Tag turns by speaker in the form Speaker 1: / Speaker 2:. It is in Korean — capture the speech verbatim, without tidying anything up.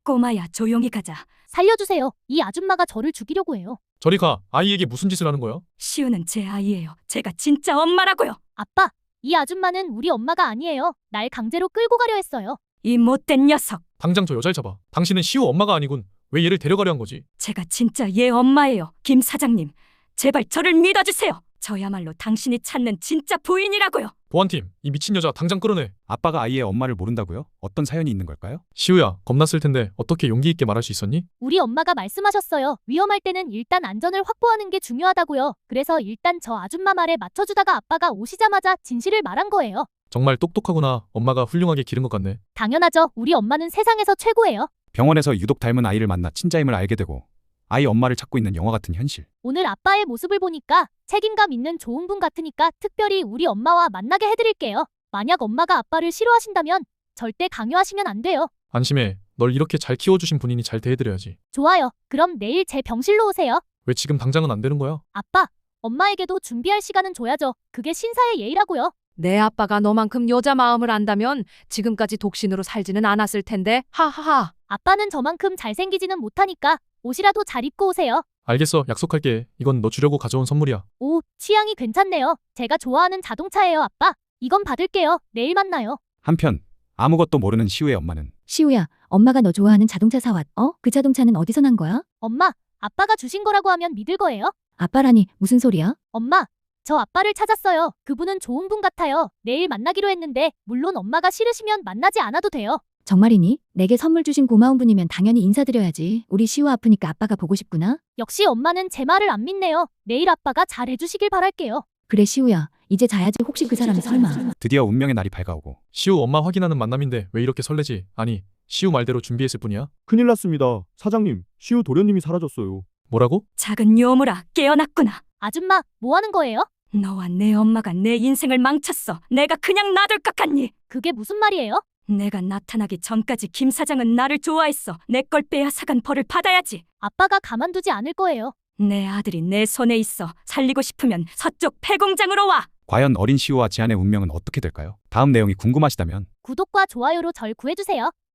Speaker 1: 꼬마야, 조용히 가자.
Speaker 2: 살려주세요. 이 아줌마가 저를 죽이려고 해요.
Speaker 3: 저리 가. 아이에게 무슨 짓을 하는 거야?
Speaker 1: 시우는 제 아이예요. 제가 진짜 엄마라고요.
Speaker 2: 아빠, 이 아줌마는 우리 엄마가 아니에요. 날 강제로 끌고 가려 했어요.
Speaker 1: 이 못된 녀석.
Speaker 3: 당장 저 여자를 잡아. 당신은 시우 엄마가 아니군. 왜 얘를 데려가려 한 거지?
Speaker 1: 제가 진짜 얘 엄마예요. 김 사장님, 제발 저를 믿어주세요. 저야말로 당신이 찾는 진짜 부인이라고요.
Speaker 3: 보안팀, 이 미친 여자 당장 끌어내.
Speaker 4: 아빠가 아이의 엄마를 모른다고요? 어떤 사연이 있는 걸까요?
Speaker 3: 시우야, 겁났을 텐데 어떻게 용기 있게 말할 수 있었니?
Speaker 2: 우리 엄마가 말씀하셨어요. 위험할 때는 일단 안전을 확보하는 게 중요하다고요. 그래서 일단 저 아줌마 말에 맞춰주다가 아빠가 오시자마자 진실을 말한 거예요.
Speaker 3: 정말 똑똑하구나. 엄마가 훌륭하게 기른 것 같네.
Speaker 2: 당연하죠. 우리 엄마는 세상에서 최고예요.
Speaker 4: 병원에서 유독 닮은 아이를 만나 친자임을 알게 되고 아이 엄마를 찾고 있는 영화 같은 현실.
Speaker 2: 오늘 아빠의 모습을 보니까 책임감 있는 좋은 분 같으니까 특별히 우리 엄마와 만나게 해드릴게요. 만약 엄마가 아빠를 싫어하신다면 절대 강요하시면 안 돼요.
Speaker 3: 안심해. 널 이렇게 잘 키워주신 분이니 잘 대해드려야지.
Speaker 2: 좋아요. 그럼 내일 제 병실로 오세요.
Speaker 3: 왜 지금 당장은 안 되는 거야?
Speaker 2: 아빠, 엄마에게도 준비할 시간은 줘야죠. 그게 신사의 예의라고요.
Speaker 5: 내 아빠가 너만큼 여자 마음을 안다면 지금까지 독신으로 살지는 않았을 텐데. 하하하.
Speaker 2: 아빠는 저만큼 잘생기지는 못하니까 옷이라도 잘 입고 오세요.
Speaker 3: 알겠어. 약속할게. 이건 너 주려고 가져온 선물이야.
Speaker 2: 오, 취향이 괜찮네요. 제가 좋아하는 자동차예요, 아빠. 이건 받을게요. 내일 만나요.
Speaker 4: 한편 아무것도 모르는 시우의 엄마는
Speaker 6: 시우야, 엄마가 너 좋아하는 자동차 사왔. 어? 그 자동차는 어디서 난 거야?
Speaker 2: 엄마, 아빠가 주신 거라고 하면 믿을 거예요?
Speaker 6: 아빠라니, 무슨 소리야?
Speaker 2: 엄마, 저 아빠를 찾았어요. 그분은 좋은 분 같아요. 내일 만나기로 했는데 물론 엄마가 싫으시면 만나지 않아도 돼요.
Speaker 6: 정말이니? 내게 선물 주신 고마운 분이면 당연히 인사드려야지. 우리 시우 아프니까 아빠가 보고 싶구나.
Speaker 2: 역시 엄마는 제 말을 안 믿네요. 내일 아빠가 잘 해주시길 바랄게요.
Speaker 6: 그래, 시우야. 이제 자야지. 혹시 그 사람이 설마.
Speaker 4: 드디어 운명의 날이 밝아오고
Speaker 3: 시우 엄마 확인하는 만남인데 왜 이렇게 설레지? 아니, 시우 말대로 준비했을 뿐이야?
Speaker 7: 큰일 났습니다. 사장님, 시우 도련님이 사라졌어요.
Speaker 3: 뭐라고?
Speaker 1: 작은 요물아, 깨어났구나.
Speaker 2: 아줌마, 뭐 하는 거예요?
Speaker 1: 너와 내 엄마가 내 인생을 망쳤어. 내가 그냥 놔둘 것 같니?
Speaker 2: 그게 무슨 말이에요?
Speaker 1: 내가 나타나기 전까지 김 사장은 나를 좋아했어. 내 걸 빼앗아간 벌을 받아야지.
Speaker 2: 아빠가 가만두지 않을 거예요.
Speaker 1: 내 아들이 내 손에 있어. 살리고 싶으면 서쪽 폐공장으로 와.
Speaker 4: 과연 어린 시우와 지안의 운명은 어떻게 될까요? 다음 내용이 궁금하시다면
Speaker 2: 구독과 좋아요로 절 구해주세요.